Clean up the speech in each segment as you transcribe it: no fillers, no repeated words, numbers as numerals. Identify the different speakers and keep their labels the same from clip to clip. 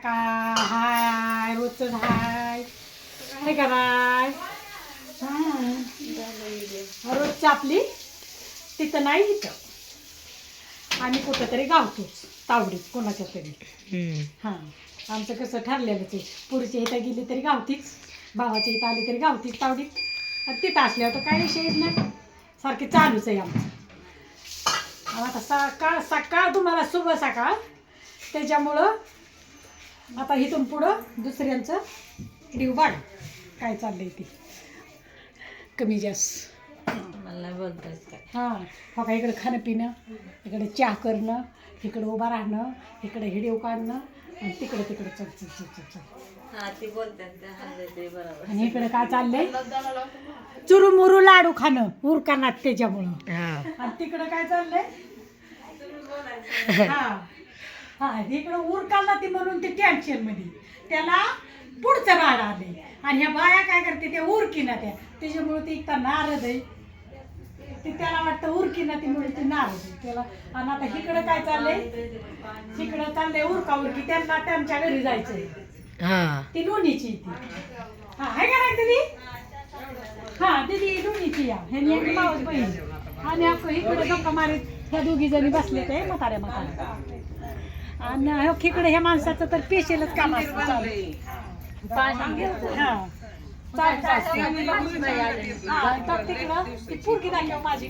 Speaker 1: सकाळ हाय रोजच हाय काय कराय रोजची आपली तिथं नाही इथं आम्ही कुठंतरी गावतोच तावडीत कोणाच्या तरी हां आमचं कसं ठरलेलंच आहे पुरीच्या इथं गेली तरी गावतीच भावाच्या इथं आली तरी गावतीच तावडीत आणि तिथं असल्यावर तर काही विषयच नाही सारखे चालूच आहे आमचं आता सकाळ सकाळ तुम्हाला शुभ सकाळ त्याच्यामुळं आता इथून पुढं दुसऱ्यांचं व्हिडिओ वाढ काय चाललंय ते कमी जास्त
Speaker 2: मला बोलतायच काय
Speaker 1: हां हो का इकडं खाणं पिणं इकडे चहा करणं इकडं उभा राहणं इकडे व्हिडिओ काढणं आणि तिकडं तिकडं चल चल चल चल चल
Speaker 2: हा ती बोलतात ते बरोबर
Speaker 1: आणि इकडे काय चाललंय चुरुमुरू लाडू खाणं उरकानात त्याच्यामुळं आणि तिकडं काय चाललंय हा हा इकडं उरकाला ती म्हणून ते टेन्शन मध्ये त्याला पुढचं बाळ आले आणि ह्या बाया काय करते त्या उरकीना त्याच्यामुळे ते इतका नारद आहे ते त्याला वाटतं उरकीना ती म्हणून ते नारद आहे त्याला आणि आता इकडं काय चाललंय इकडं चाललंय उरका उरकी त्यांना त्यांच्या घरी जायचंय ती लोणीची ती हा आहे का नाही दीदी हा दीदी लोणीची या ह्यानी एक मावस बहीण आणि आपण इकडे गप्पा मारीत ह्या दोघी जणी बसले ते म्हाताऱ्या आणि इकडे ह्या माणसाचं तर पेशलच काम असतं चालू हा पोरगी दाखव माझी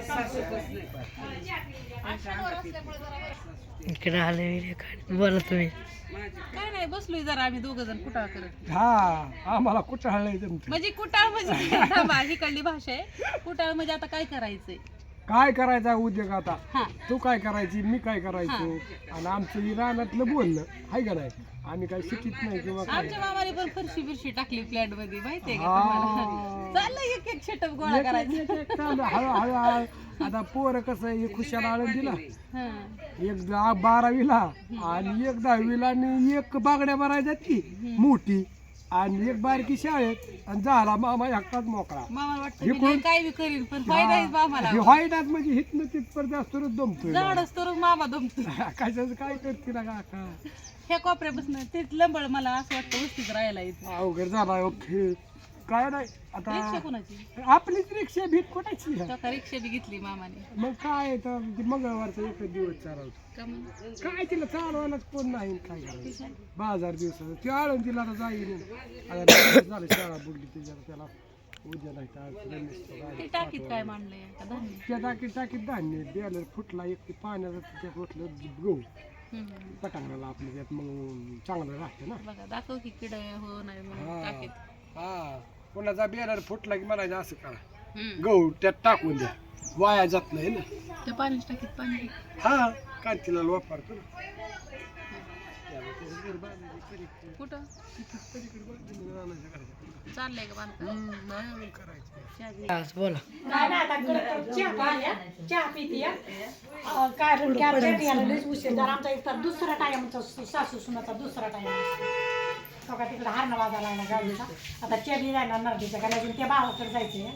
Speaker 2: इकडे आले बोला तुम्ही
Speaker 3: काय नाही बसलोय जरा आम्ही दोघ जण कुटाळ करत
Speaker 4: हा आम्हाला कुठं जमत
Speaker 3: म्हणजे कुटाळ म्हणजे थांबा, ही कळली भाषा आहे कुटाळ म्हणजे आता काय करायचंय
Speaker 4: काय करायचा उद्योग आता
Speaker 3: हा
Speaker 4: तू काय करायची मी काय करायचो आणि आमचं ही रानातलं बोलणं आहे का नाही आम्ही काय शिकित नाही किंवा काय
Speaker 3: आमच्या मामाने पण फरशी बिरशी टाकली फ्लॅट मध्ये माहितीये का
Speaker 4: हा.
Speaker 3: तुम्हाला चाललंय एक एक शेटअप गोळा करायचा
Speaker 4: चालू हळूहळू आता पोरं कसं एक खुशाल आळून दिला
Speaker 3: हा.
Speaker 4: एक 12वीला आणि एक 10वीला आणि एक बागड्या भरायच्या ती मोठी आणि एक बारकी शाळेत आणि झाला मामा एकटाच मोकळा
Speaker 3: मामा वाटतं
Speaker 4: हे
Speaker 3: मी
Speaker 4: कोण?
Speaker 3: लय काय बी करीन पण फायदा आहे मामाला
Speaker 4: व्हाईटात म्हणजे हितनं तिथपर्यंत असतो दमतोय
Speaker 3: झाड असतो मामा दमतो
Speaker 4: कशाचं काय करते ना काका
Speaker 3: ह्या कोपऱ्यापासून ते लंबळ मला असं वाटतं वस्तीत राहायला येते
Speaker 4: अवघड झाला ओके काय नाही
Speaker 3: रिक्षा
Speaker 4: आता
Speaker 3: कोणाची
Speaker 4: आपलीच रिक्षा भीत कुठायची
Speaker 3: तो का रिक्षा बी घेतली मामाने
Speaker 4: मग काय तर ते मंगळवारचा एकच दिवस चालवतो
Speaker 3: का मग?
Speaker 4: काय तिला चालवायलाच कोण नाही काय करायचं बाजार दिवसाचं ते आळून तिला आता जाईन आता लगेच झालं शाळा बुडली त्याच्यावर त्याला उद्या नाही तर आज रमेशचं
Speaker 3: ते
Speaker 4: गाडी
Speaker 3: टाकीत काय
Speaker 4: पाठवायला.
Speaker 3: मांडलंय का धान्य
Speaker 4: त्या टाकीत धान्य द्यायला फुटला एक ते पाण्याचं त्याच्यात ओतलं गहू पटांगणाला आपलं त्यात मग चांगलं राहतं ना
Speaker 3: बघा दाखव की किड हो नाही म्हणून
Speaker 4: हा
Speaker 3: टाकीत
Speaker 4: हा कोणाचा बियाणार फुटला की म्हणायचं असं करा
Speaker 3: हम्म.
Speaker 4: गहू त्यात टाकून द्या वाया जात नाही ना
Speaker 3: त्या पाण्याच्या टाकीत पाणी
Speaker 4: हा कांतीला वापरतो ना
Speaker 3: कुठं चाललंय का बांधकाम
Speaker 2: बोला
Speaker 1: नाही ना आता चहा पाहिल्या चहा पिते काय की आमच्या याला लयच उशीर जर आमचा इथं दुसरा टाइमचा सासू सुनाचा दुसरा टाइम असतो का तिकडे हारणं वाजायला लागला गाडीचा आता चेरी जाणार नर्दीच्या कारण अजून त्या भावाकडे जायचे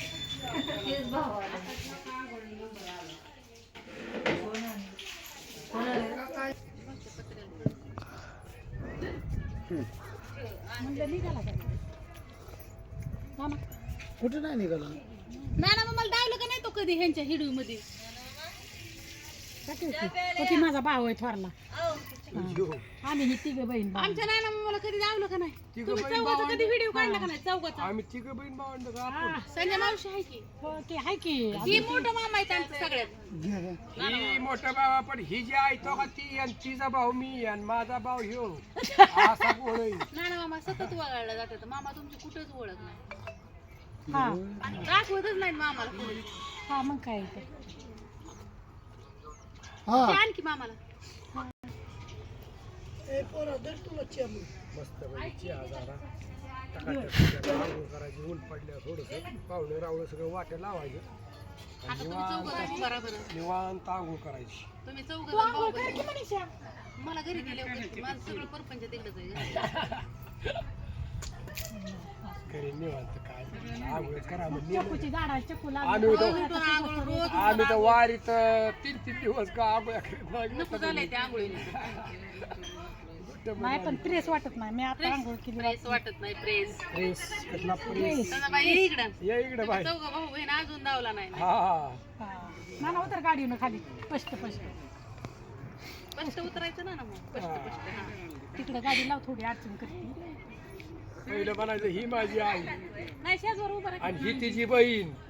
Speaker 1: म्हणलं निघाला का मामा
Speaker 4: कुठं नाही निघाला
Speaker 3: ना मग मला डावलं का नाही तो कधी ह्यांच्या हिडू मध्ये
Speaker 1: की माझा भाऊ आहे थोरला आम्ही ही तिघ बहीण भाऊ.
Speaker 3: आमच्या नाना मला कधी डावलं का नाही
Speaker 4: तिघं
Speaker 3: तुम्ही
Speaker 4: बहीण
Speaker 3: चौघाचा
Speaker 4: भावंड.
Speaker 3: कधी व्हिडिओ काढला का नाही चौघाचा
Speaker 4: आम्ही तिघं बहीण भावंड का आपण
Speaker 1: हा,
Speaker 3: संजय मावशी आहे की
Speaker 1: हो, ते आहे की
Speaker 3: ही मोठं मामा आहे त्यांचं सगळ्यात
Speaker 4: ही मोठा बाबा पण ही जी आहे तो का ती आणि तिचा भाऊ मी आणि माझा भाऊ ह्यो असा गोळ आहे.
Speaker 3: नाना मामा सतत वगाळला जातात मामा तुमची कुठेच ओळख नाही
Speaker 1: हा
Speaker 3: दाखवतच नाही मामाला कोणी.
Speaker 1: हा मग काय ते.
Speaker 4: हा
Speaker 3: ते आणखी मामाला
Speaker 4: मस्त म्हणजे आजारा टकाटक आंघोळ करायची ऊन पडल्या थोडंसं पाहुणे रावणं सगळं वाटे लावायचं
Speaker 3: आता तुम्ही चौघ बरोबर
Speaker 4: निवांत आंघोळ करायची
Speaker 3: तुम्ही चौघ मला घरी गेले माझं सगळं परपंच तिकडच आहे
Speaker 4: घरी निवांत काय आंघोळ करा म्हणजे
Speaker 1: चक्कूची झाडा चक्कू
Speaker 4: आम्ही
Speaker 3: रोज
Speaker 4: तर
Speaker 3: उठून आंघोळ रोज
Speaker 4: आम्ही तर वारीत 3 दिवस का आंघोळ करीत नाही.
Speaker 3: नको झालंय त्या आंघोळीने
Speaker 1: नाही पण प्रेस वाटत नाही मी आता आंघोळ केली
Speaker 3: प्रेस वाटत नाही प्रेस
Speaker 4: प्रेस कसला प्रेस
Speaker 3: दादा बाई ये इकडं
Speaker 4: या इकडे बाई
Speaker 3: चौघ भाऊ बहीण अजून धावला नाही
Speaker 4: हा
Speaker 1: ना उतर गाडीनं खाली पष्ट
Speaker 3: स्पष्ट उतरायचं ना मग स्पष्ट स्पष्ट हा.
Speaker 1: तिकडं गाडी लाव थोडी अडचण करते
Speaker 4: पहिलं म्हणायचं ही माझी आई
Speaker 3: नाही शेजवर उभं राहा.
Speaker 4: आणि ही तिची बहीण